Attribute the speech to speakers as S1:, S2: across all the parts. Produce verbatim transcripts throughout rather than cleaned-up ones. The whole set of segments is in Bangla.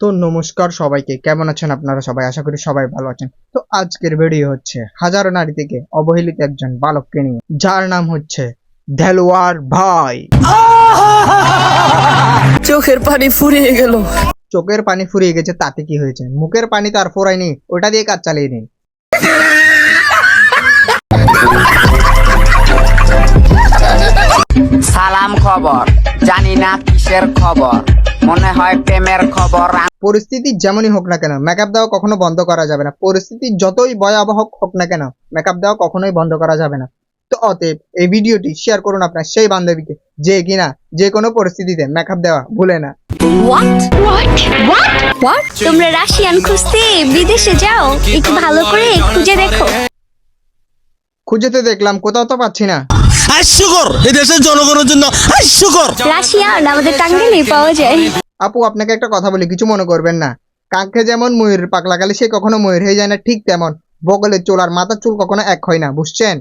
S1: তো নমস্কার সবাইকে, কেমন আছেন আপনারা সবাই? আশা করি সবাই ভালো আছেন। তো আজকের ভিডিও হচ্ছে হাজারো নারী থেকে অবহেলিত একজন বালককে নিয়ে, যার নাম হচ্ছে দেলোয়ার ভাই।
S2: চোখের পানি ফুরিয়ে গেল।
S1: চোখের পানি ফুরিয়ে গেছে তাতে কি হয়েছে? মুখের পানি তো আর ফোরায়নি, ওটা দিয়ে কাজ চালিয়ে নিন।
S3: সালাম খবর, জানি না কিসের খবর, মনে হয় প্রেমের খবর।
S1: পরিস্থিতি যেমনই হোক না কেন মেকআপ দেওয়া কখনো বন্ধ করা যাবে না। পরিস্থিতি যতই ভয়াবহ হোক না কেন মেকআপ দেওয়া কখনোই বন্ধ করা যাবে না। তো অতএব এই ভিডিওটি শেয়ার করুন আপনার সেই বান্ধবীকে যে কিনা যে কোনো পরিস্থিতিতে মেকআপ দেওয়া ভুলে না।
S4: What? What? What? What? তোমরা রাশিয়ান খুঁজতে বিদেশে যাও, একটু ভালো করে খুঁজে দেখো।
S1: খুঁজে তো দেখলাম, কোথাও তো পাচ্ছি না।
S5: হাস্যকর, এই দেশের জনগণের জন্য হাস্যকর।
S4: রাশিয়ান আমাদের টাঙ্গাইলে পাওয়া যায়।
S1: আপু, আপনাকে একটা কথা বলি, কিছু মনে করবেন না। কাঁখে যেমন ময়ূরের পাক লাগালে সে কখনো ময়ূর হয়ে যায় না, ঠিক তেমন বগলের চুল আর মাথার চুল কখনো এক হয় না, বুঝছেন?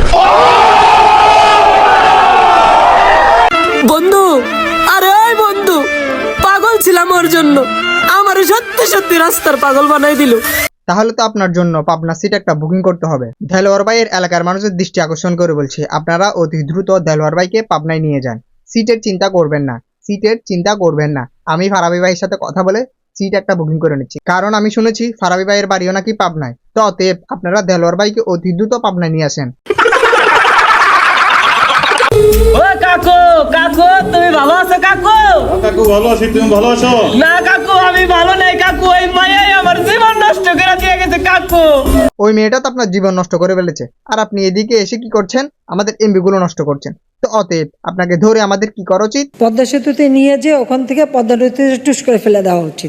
S2: বন্ধু, আরে ওই বন্ধু, পাগল ছিলাম ওর জন্য, আমার সত্যি সত্যি রাস্তার পাগল বানাই দিল।
S1: তাহলে তো আপনার জন্য পাবনা সিট একটা বুকিং করতে হবে। দেলোয়ার ভাইয়ের এলাকার মানুষের দৃষ্টি আকর্ষণ করে বলছি, আপনারা অতি দ্রুত দেলোয়ার ভাইকে পাবনায় নিয়ে যান। সিটের চিন্তা করবেন না, সিটের চিন্তা করবেন না। আমি ফারাবি ভাইয়ের সাথে কথা বলে সিট একটা বুকিং করে নিচ্ছি, কারণ আমি শুনেছি ফারাবি ভাইয়ের বাড়িও নাকি পাবনায়। তো অতএব আপনারা দেলোয়ার ভাইকে অতি দ্রুত পাবনায় নিয়ে আসেন।
S6: ও কাকু, কাকু তুমি ভালো আছো? কাকু
S7: কাকু ভালো আছি, তুমি ভালো আছো?
S6: না কাকু, আমি ভালো নাই কাকু, ওই মায়াই আমার জীবন নষ্ট করে দিয়ে গেছে কাকু।
S1: ওই মেয়েটা তো আপনার জীবন নষ্ট করে ফেলেছে, আর আপনি এদিকে এসে কি করছেন? আমাদের এমবি গুলো নষ্ট করছেন। তো অতএব আপনাকে ধরে আমাদের কি করা উচিত?
S8: পদ্মা সেতুতে নিয়ে যে ওখান থেকে পদ্মা নদীতে টুস করে ফেলে দেওয়া উচিত।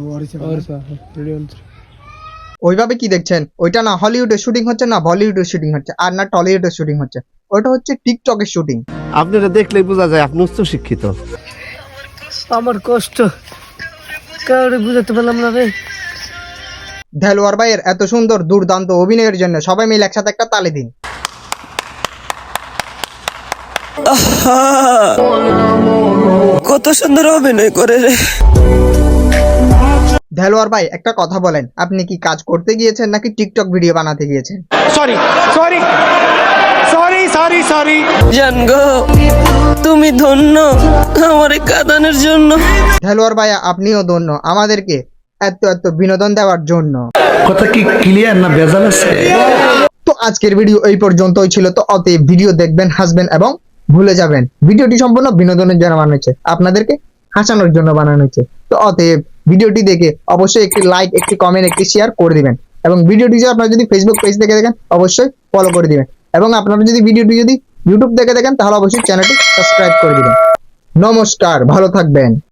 S1: ওইভাবে কি দেখছেন? ওইটা না হলিউডের শুটিং হচ্ছে, না বলিউডের শুটিং হচ্ছে, আর না টলিউডের শুটিং হচ্ছে। ওইটা হচ্ছে টিকটকের শুটিং।
S5: আপনারা দেখলেই বোঝা যায় আপনি উচ্চ শিক্ষিত।
S2: আমার কষ্ট কাউরে বুঝাতে পারলাম না রে।
S1: দেলোয়ার ভাইয়ের এত সুন্দর দুর্দান্ত অভিনয়ের জন্য সবাই মিলে একসাথে একটা তালি দিন।
S2: কত সুন্দর অভিনয় করে রে।
S1: দেলোয়ার ভাই, একটা কথা বলেন, আপনি কি কাজ করতে গিয়েছেন নাকি টিকটক ভিডিও বানাতে গিয়েছেন?
S5: Sorry sorry sorry sorry sorry
S2: জান গো, তুমি ধন্য আমার কাঁদানোর জন্য।
S1: দেলোয়ার ভাই, আপনিও ধন্য আমাদেরকে এত এত বিনোদন দেওয়ার জন্য।
S5: কথা কি ক্লিয়ার না ভেজাল আছে?
S1: তো আজকের ভিডিও এই পর্যন্তই ছিল। তো অতএব ভিডিও দেখবেন, হাসবেন এবং ভুলে যাবেন। ভিডিওটি সম্পূর্ণ বিনোদনের জন্য বানানো হয়েছে, আপনাদেরকে হাসানোর জন্য বানানো হয়েছে। তো অতএব ভিডিওটি দেখে অবশ্যই একটি লাইক, একটি কমেন্ট, একটি শেয়ার করে দিবেন। এবং ভিডিওটি যদি আপনারা যদি ফেসবুক পেজ থেকে দেখেন অবশ্যই ফলো করে দিবেন। এবং আপনারা যদি ভিডিওটি যদি ইউটিউব থেকে দেখেন তাহলে অবশ্যই চ্যানেলটি সাবস্ক্রাইব করে দিবেন। নমস্কার, ভালো থাকবেন।